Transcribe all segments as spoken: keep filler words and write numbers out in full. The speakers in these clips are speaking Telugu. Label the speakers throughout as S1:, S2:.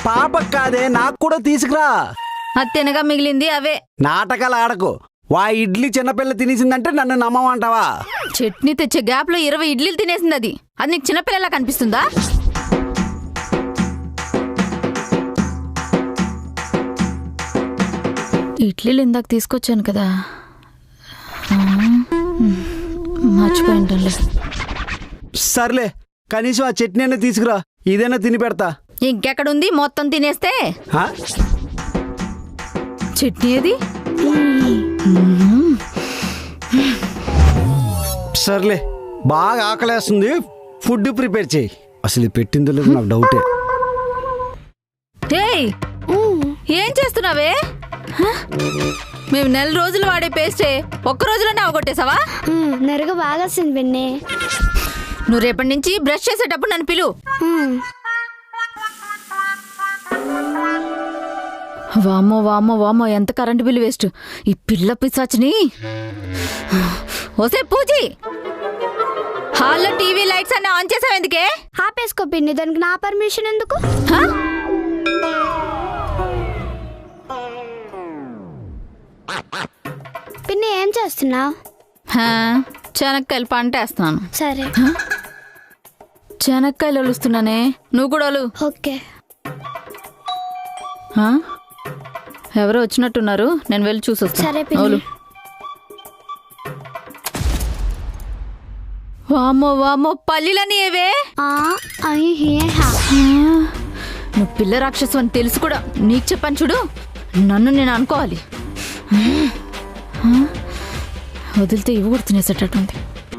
S1: పాప కాదే, నాకు కూడా తీసుకురా.
S2: అది తినగా మిగిలింది అవే.
S1: నాటకాలు ఆడకు. వా ఇడ్లీ చిన్నపిల్ల తినేసిందంటే నన్ను నమ్మమంటావా?
S2: చట్నీ తెచ్చే గ్యాప్ లో ఇరవై ఇడ్లీలు తినేసింది. అది అది నీకు చిన్నపిల్లలా కనిపిస్తుందా? ఇడ్లీలు ఇందాక తీసుకొచ్చాను కదా, మర్చిపోయింటానులే.
S1: సర్లే, కనీసం ఆ చట్నీ అయినా తీసుకురా, ఇదైనా తిని పెడతా.
S2: ఇంకెక్కడుంది, మొత్తం తినేస్తే. చట్నీ అది.
S1: సర్లే, బాగా ఆకలేస్తుంది, ఫుడ్ ప్రిపేర్ చేయి. అసలు పెట్టిందో లేదు నాకు డౌటే.
S2: ఏయ్, ఏం చేస్తున్నావే? మేము నెల రోజులు వాడే పేస్టే ఒక్క రోజులోనే అవగొట్టేసావా?
S3: నెరగ బాగా వస్తుంది పిన్ని.
S2: నువ్వు రేపటి నుంచి బ్రష్ చేసేటప్పుడు నన్ను పిలు. వామో వామో వామో, ఎంత కరెంటు బిల్లు వేస్ట్ ఈ పిల్ల పిశాచిని. ఓసే పూజీ, హాల్లో టీవీ లైట్స్ అన్ని ఆన్ చేసావు ఎందుకే?
S3: ఆపేసుకో పిన్ని, దానికి నా పర్మిషన్ ఎందుకు? పిన్ని ఏం చేస్తున్నావు?
S2: చెనక్కాయలు పంట వేస్తున్నాను.
S3: సరే.
S2: చెనక్కాయలు ఒలుస్తున్నానే, నువ్వు కూడా ఒలు.
S3: ఓకే.
S2: ఎవరో వచ్చినట్టున్నారు, నేను వెళ్ళి చూసొస్తాను.
S3: సరే పిన్ని.
S2: వామో వామో, పల్లీలని ఏవే? నువ్వు పిల్ల రాక్షసు అని తెలుసు కూడా నీకు చెప్పాను చూడు. నన్ను నేను అనుకోవాలి. వదిలితే ఇవి కూడా తినేసేటట్టుంది.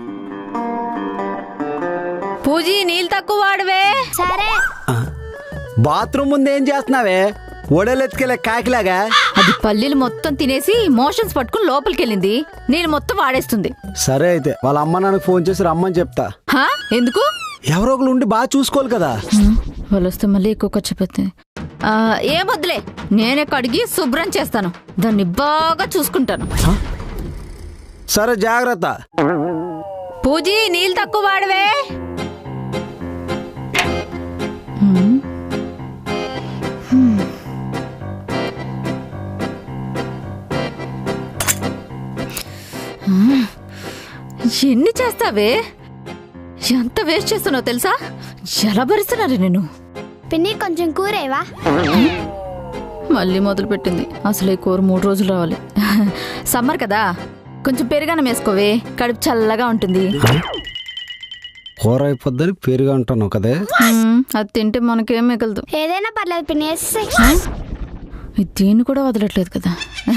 S2: పూజీ, నీళ్ళు తక్కువ వాడవే.
S3: సరే.
S1: బాత్రూమ్ ముందు ఏం చేస్తున్నావే? ఒడలెత్తుకెళ్ళే కాకిలాగా.
S2: అది పల్లీలు మొత్తం తినేసి మోషన్స్ పట్టుకుని లోపలికి వెళ్ళింది. నేను మొత్తం వాడేస్తుంది.
S1: సరే అయితే వాళ్ళ అమ్మ నాన్నకు ఫోన్ చేసి రమ్మని చెప్తా.
S2: ఎందుకు?
S1: ఎవరో ఒకరు ఉండి బాగా చూసుకోవాలి కదా.
S2: వాళ్ళు వస్తే మళ్ళీ ఎక్కువ ఖర్చు పెడుతుంది. ఏం వద్దులే, నేనే కడిగి శుభ్రం చేస్తాను, దాన్ని బాగా చూసుకుంటాను.
S1: సరే, జాగ్రత్త.
S2: పూజీ, నీళ్ళు తక్కువ వాడవే. ఎన్ని చేస్తావే? ఎంత వేస్ట్ చేస్తున్నావు తెలుసా? ఎలా భరిస్తున్నారు నేను.
S3: పిన్ని కొంచెం కూరేవా?
S2: మళ్ళీ మొదలు పెట్టింది. అసలు ఈ కూర మూడు రోజులు రావాలి. సమ్మర్ కదా, కొంచెం పెరుగన్నం వేసుకోవే, కడుపు చల్లగా ఉంటుంది.
S1: కూర అయిపోద్దని పెరుగా ఉంటాను కదే.
S2: అది తింటే మనకేం మిగలదు.
S3: ఏదైనా పర్లేదు పిన్ని.
S2: దీన్ని కూడా వదలట్లేదు కదా.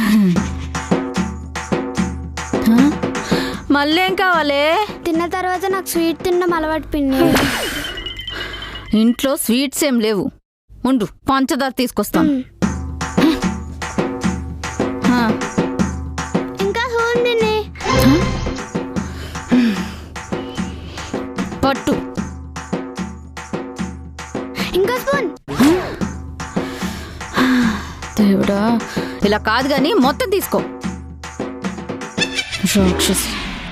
S2: మళ్ళీ ఏం కావాలి?
S3: తిన్న తర్వాత నాకు స్వీట్ తినడం అలవాటు పిన్ని.
S2: ఇంట్లో స్వీట్స్ ఏం లేవు, ఉండు పంచదార తీసుకొస్తాను.
S3: ఇంకా ఉంది
S2: పట్టు.
S3: ఇంకా స్పూన్.
S2: దేవుడా, ఇలా కాదు గాని మొత్తం తీసుకో. రాక్షస్.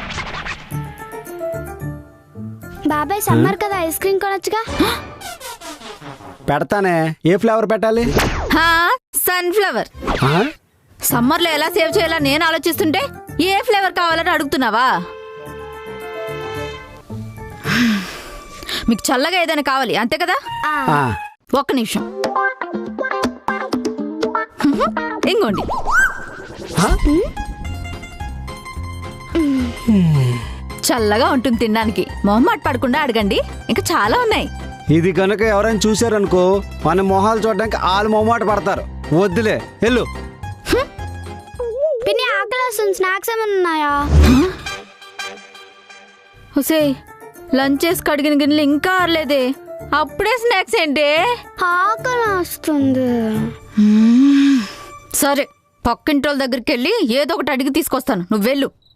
S3: బాబాయ్, సమ్మర్ కదా, ఐస్ క్రీమ్ కొనొచ్చుగా.
S1: పెడతానే. ఏ ఫ్లేవర్ పెట్టాలి?
S2: Sunflower. సమ్మర్ లో ఎలా సేవ్ చేయాలా నేను ఆలోచిస్తుంటే ఏ ఫ్లేవర్ కావాలని అడుగుతున్నావా? మీకు చల్లగా ఏదైనా కావాలి అంతే కదా? ఒక్క నిమిషం, ఇంకోండి. చల్లగా ఉంటుంది తినడానికి. మొహమాట పడకుండా అడగండి, ఇంకా చాలా ఉన్నాయి.
S1: ఇది కనుక ఎవరైనా చూసారనుకో, మన మొహాలు చూడడానికి వాళ్ళు మొహమాట పడతారు. వద్దులే, వెళ్ళు.
S3: పిన్ని ఆకలి వస్తుంది, స్నాక్స్ ఏమైనా ఉన్నాయా?
S2: హుసే, లంచ్ చేసి కడిగిన గిన్నెలు ఇంకా ఆరలేదే, అప్పుడే స్నాక్స్ ఏంటి?
S3: ఆకలి వస్తుంది.
S2: సరే, పక్కింటి వాళ్ళ దగ్గరికి వెళ్ళి ఏదో ఒకటి అడిగి తీసుకొస్తాను, నువ్వు వెళ్ళు.